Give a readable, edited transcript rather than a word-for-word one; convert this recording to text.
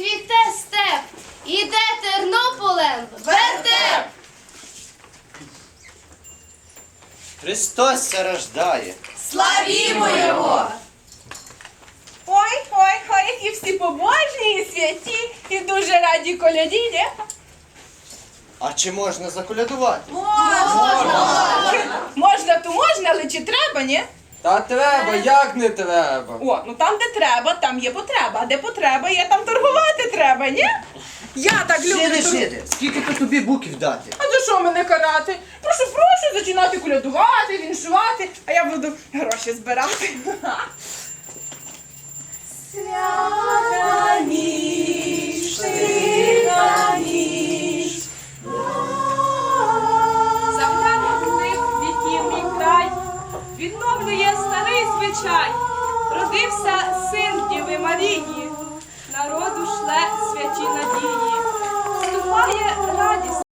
цвіте степ, іде Тернополем вертеп. Христос ся рождає. Славімо Його! Ой, які всі побожні і святі, і дуже раді коляді, не? А чи можна заколядувати? Можна, то можна, але чи треба, ні? Та треба, як не треба. О, ну там, де треба, там є потреба, а де потреба є, там торгувати треба, ні? Я так люблю. Жиди, скільки то тобі буків дати? А за що мене карати? Прошу, зачинати колядувати, віншувати, а я буду гроші збирати. Свята ніч.